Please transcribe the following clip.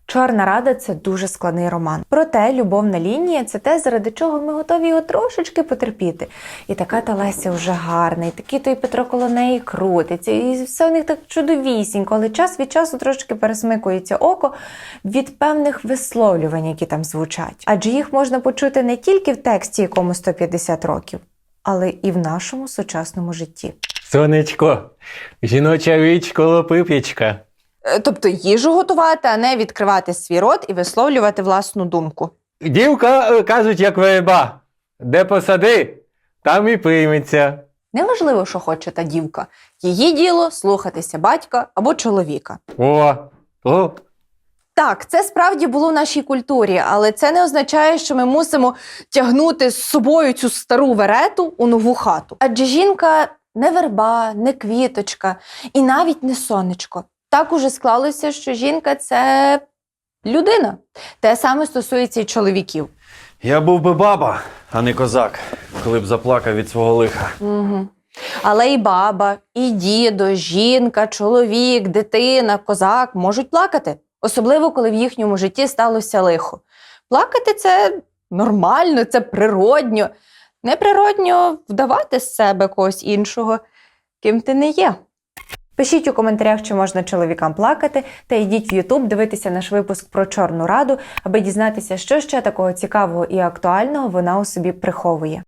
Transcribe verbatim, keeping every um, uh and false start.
Чорна Рада – це дуже складний роман. Проте любовна лінія – це те, заради чого ми готові його трошечки потерпіти. І така та Леся вже гарна, і такий той Петро коло неї крутиться, і все у них так чудовісінько, але час від часу трошки пересмикується око від певних висловлювань, які там звучать. Адже їх можна почути не тільки в тексті, якому сто п'ятдесят років, але і в нашому сучасному житті. Сонечко, жіноча річ коло прип'ячка. Тобто їжу готувати, а не відкривати свій рот і висловлювати власну думку. Дівка, е, кажуть, як верба. Де посади, там і прийметься. Неважливо, що хоче та дівка. Її діло – слухатися батька або чоловіка. О, о. Так, це справді було в нашій культурі, але це не означає, що ми мусимо тягнути з собою цю стару верету у нову хату. Адже жінка не верба, не квіточка і навіть не сонечко. Так уже склалося, що жінка – це людина. Те саме стосується і чоловіків. Я був би баба, а не козак, коли б заплакав від свого лиха. Угу. Але і баба, і дідо, жінка, чоловік, дитина, козак можуть плакати. Особливо, коли в їхньому житті сталося лихо. Плакати – це нормально, це природньо. Неприродньо вдавати з себе когось іншого, ким ти не є. Пишіть у коментарях, чи можна чоловікам плакати, та йдіть в Ютуб дивитися наш випуск про Чорну Раду, аби дізнатися, що ще такого цікавого і актуального вона у собі приховує.